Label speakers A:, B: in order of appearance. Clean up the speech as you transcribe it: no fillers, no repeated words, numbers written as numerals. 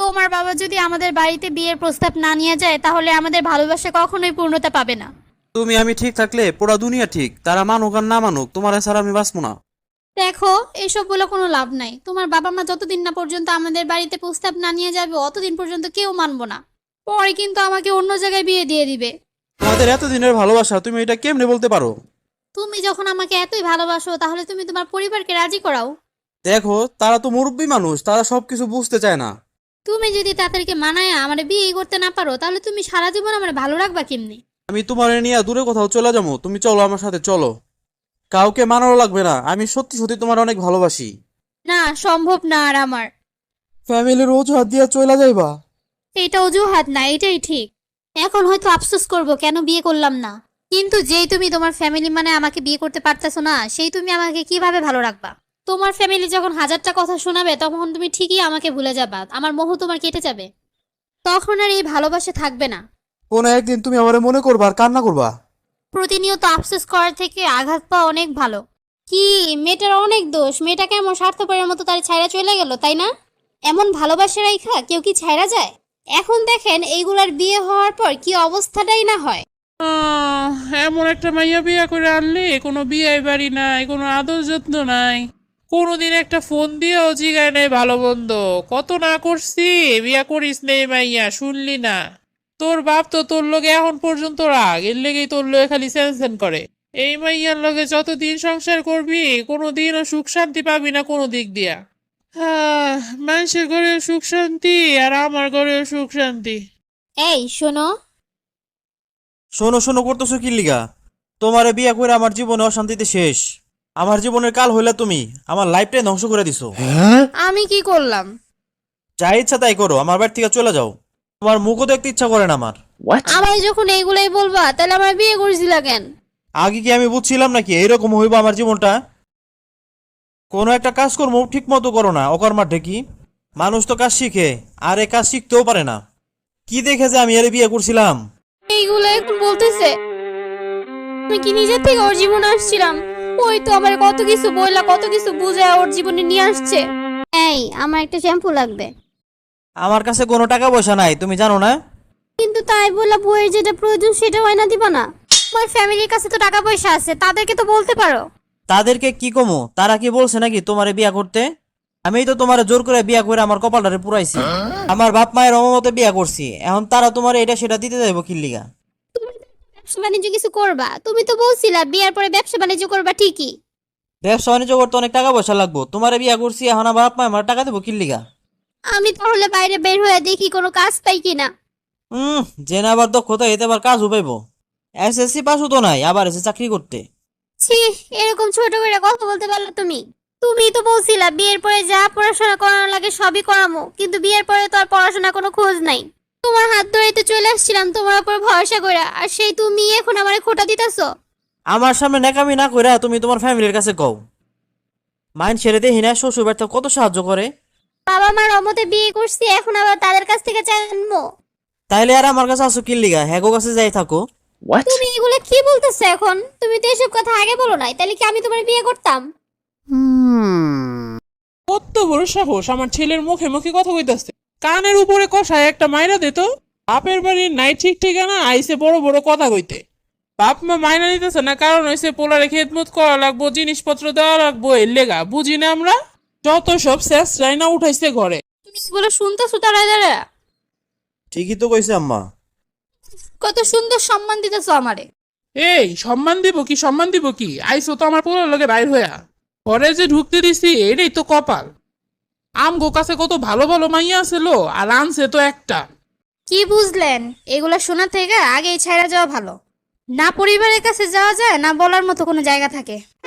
A: তোমার বাবা যদি আমাদের বাড়িতে বিয়ের প্রস্তাব না নিয়ে যায় তাহলে আমাদের ভালোবাসা কখনোই পূর্ণতা পাবে না।
B: আমি ঠিক থাকলে পুরা দুনিয়া ঠিক, তারা মানুক আর না মানুক, তোমার ছাড়া আমি বাঁচবো না।
A: দেখো, এসব বলে কোনো লাভ নাই। তোমার বাবা মা যতদিন না পর্যন্ত আমাদের বাড়িতে প্রস্তাব না নিয়ে যাবে অতদিন পর্যন্ত কেউ মানবো না। পরে কিন্তু আমাকে অন্য জায়গায় বিয়ে দিয়ে দিবে।
B: তোমাদের এতদিনের ভালোবাসা তুমি এটা কেমনে বলতে পারো?
A: তুমি যখন আমাকে এতই ভালোবাসো তাহলে তুমি তোমার পরিবারকে রাজি করাও।
B: দেখো, তারা তো মুরব্বী মানুষ, তারা সবকিছু বুঝতে চায় না।
A: তুমি যদি তাদেরকে মানায় আমার বিয়ে করতে না পারো তাহলে তুমি সারা জীবন আমার ভালো রাখবা কেমনি?
B: আমি তোমার নিয়ে দূরে কোথাও চলে যাবো, তুমি চলো আমার সাথে চলো। কাউকে মানানো লাগবে না, আমি সত্যি সত্যি তোমার অনেক ভালোবাসি।
A: না, সম্ভব না। আর আমার
B: ফ্যামিলির অজুহাত দিয়া চলে যাইবা?
A: এটা অজুহাত না, এটাই ঠিক। এখন হয়তো আফসোস করব কেন বিয়ে করলাম না, কিন্তু যেই তুমি তোমার ফ্যামিলি মানে আমাকে বিয়ে করতে পারতেছো না, সেই তুমি আমাকে কিভাবে ভালো রাখবা? তোমার ফ্যামিলি যখন হাজারটা কথা শোনাবে তখন তুমি ঠিকই আমাকে ভুলে যাবা, আমার মোহ তোমার কেটে যাবে। তখন আর এই ভালোবাসা থাকবে না।
B: কোন একদিন তুমি আমারে মনে করবা আর কান্না করবা।
A: প্রতিনিয়ত আফসোস করার থেকে আঘাত পাওয়া অনেক ভালো। কি, মেয়েটার অনেক দোষ। মেয়েটাকে এমন স্বার্থপরের মতো তার ছাইরা চলে গেল, তাই না? এমন ভালোবাসা রাইখা কেউ কি ছাইরা যায়? এখন দেখেন এইগুলার বিয়ে হওয়ার পর কি অবস্থাটাই না হয়।
C: এমন একটা মাইয়া বিয়া করে আনলে কোনো বিয়ে বাড়ি নাই, কোনো আদর যত্ন নাই, কোনোদিন একটা ফোন দিয়েও জিগায় নাই ভালো বন্ধ। কত না করছি বিয়া করিস নেই মাইয়া, শুনলি না? তোর বাপ তো তোর লগে এখন পর্যন্ত রাগ, এর লেগেই তোর লগে খালি স্যান করে। এই মাইয়ার লগে যতদিন সংসার করবি কোনোদিনও সুখ শান্তি পাবি না কোনো দিক দিয়া। মানুষের ঘরে সুখ শান্তি আর আমার ঘরে সুখ শান্তি।
A: এই শোনো,
B: শোনো শোনো করতেছো কি লিগা? তোমারে বিয়া করে আমার জীবনে অশান্তিতে শেষ। আমার জীবনের কাল হইলা তুমি, আমার লাইফটাই ধ্বংস করে দিছো।
A: আমি কি করলাম?
B: যা ইচ্ছা তাই করো, আমার বাড়ি থেকে চলে যাও। তোমার মুখও দেখতে ইচ্ছা করে না আমার।
A: আমার যখন এইগুলাই বলবা তাহলে আমার বিয়ে করেছিল কেন?
B: আগে কি আমি বুঝছিলাম নাকি এইরকম হইব আমার জীবনটা? কোনো একটা কাজ কর্ম ঠিক মতো করো না, অকর্মার ঢেকি। মানুষ তো কাজ শিখে, আর এ কাজ শিখতেও পারে না। কি দেখে যে আমি এর বিয়ে করছিলাম?
A: এইগুলো এখন বলতেছে? আমি কি নিজের থেকে ওর জীবনে আসছিলাম? ওই তো আমার কত কিছু বইলা কত কিছু বুঝায় ওর জীবনে নিয়ে আসছে। এই, আমার একটা শ্যাম্পু লাগবে।
B: আমার কাছে কোনো টাকা পয়সা নাই, তুমি জানো না?
A: কিন্তু তাই বলে বইয়ের যেটা প্রয়োজন সেটা হয় না দিবা না? তোমার ফ্যামিলির কাছে তো টাকা পয়সা আছে, তাদেরকে তো বলতে পারো।
B: তাদেরকে কি কমো? তারা কি বলছে নাকি তোমারে বিয়া করতে? আমি তো তোমারে জোর করে বিয়া করে আমার কপালটারে পুরাইছি। আমার বাপ মায়ের অমতে বিয়া করছি, এখন তারা তোমার এটা সেটা দিতে যাইব কি লিগা?
A: তুমি তো ব্যবসা বাণিজ্য কিছু করবা, তুমি তো বলছিলা বিয়ের পরে ব্যবসা বাণিজ্য করবা ঠিকই।
B: ব্যবসা বাণিজ্য করতে অনেক টাকা পয়সা লাগবো, তোমারে বিয়া করছি, এখন আমার বাপ মা আমার টাকা দেবো কি লিগা?
A: আমি তাহলে বাইরে বের হয়ে দেখি কোনো কাজ পাই কিনা।
B: জেনে আবার দক্ষতা এতে আবার কাজও পাইবো। এসএসসি পাসও তো নাই, আবার এসে চাকরি করতে।
A: ছি, এরকম ছোট করে কথা বলতে পারলো তুমি? তুমি তো বলছিলা বিয়ের পরে যা পড়াশোনা করানো লাগে সবই করামো, কিন্তু বিয়ের পরে তো আর পড়াশোনা কোনো খোঁজ নাই। তোমার হাত ধরেই তো চলে আসছিলাম তোমার উপর ভরসা করে, আর সেই তুমি এখন আমারে খোঁটা দিতেছো।
B: আমার সামনে নেকামি না কইরা তুমি তোমার ফ্যামিলির কাছে কও। মাইন্ড ছেড়ে দেখি না শ্বশুর বাড়িতে কত সাহায্য করে।
A: বাবা মার অমতে বিয়ে করছি, এখন আবার তাদের কাছ থেকে জানবো?
B: তাইলে আর আমার কাছে আসো কি লিগা? হ্যাগো কাছে যাই থাকো।
A: তুমি এগুলো কি বলতেছো এখন? তুমি তো এসব কথা আগে বলো নাই, তাহলে কি আমি তোমার বিয়ে করতাম?
C: কত বড় সাহস আমার ছেলের মুখে মুখে কথা কইতাছে। কানের উপরে কষায় একটা মাইরা দে তো। বাপের বাড়ির নাই ঠিক ঠিকানা, আইসে বড় বড় কথা কইতে। বাপ মা মাইনা নিতেছে না, কারণ হইছে পোলারে খেদমত করা লাগবো, জিনিসপত্র দেওয়া লাগবো, এর লেগা। বুঝি না আমরা? যত সব শেষ রাইনা উঠাইছে ঘরে।
A: তুমি এগুলো শুনতেছো তারা যারা?
B: ঠিকই তো কইছে আম্মা।
A: কত সুন্দর সম্মান দিতেছো আমারে।
C: এই সম্মান দিব কি, সম্মান দিব কি? আইসো তো আমার পোলার লগে বাইর হইয়া। ঘরে যে ঢুকতে দিছি এটাই তো কপাল। আমগো কাছে কত ভালো ভালো মাইয়া আছিল, আর আনছে তো একটা।
A: কি বুঝলেন? এগুলা শোনা থেকে আগেই ছাইড়া যাওয়া ভালো। না পরিবারের কাছে যাওয়া যায়, না বলার মতো কোনো জায়গা থাকে।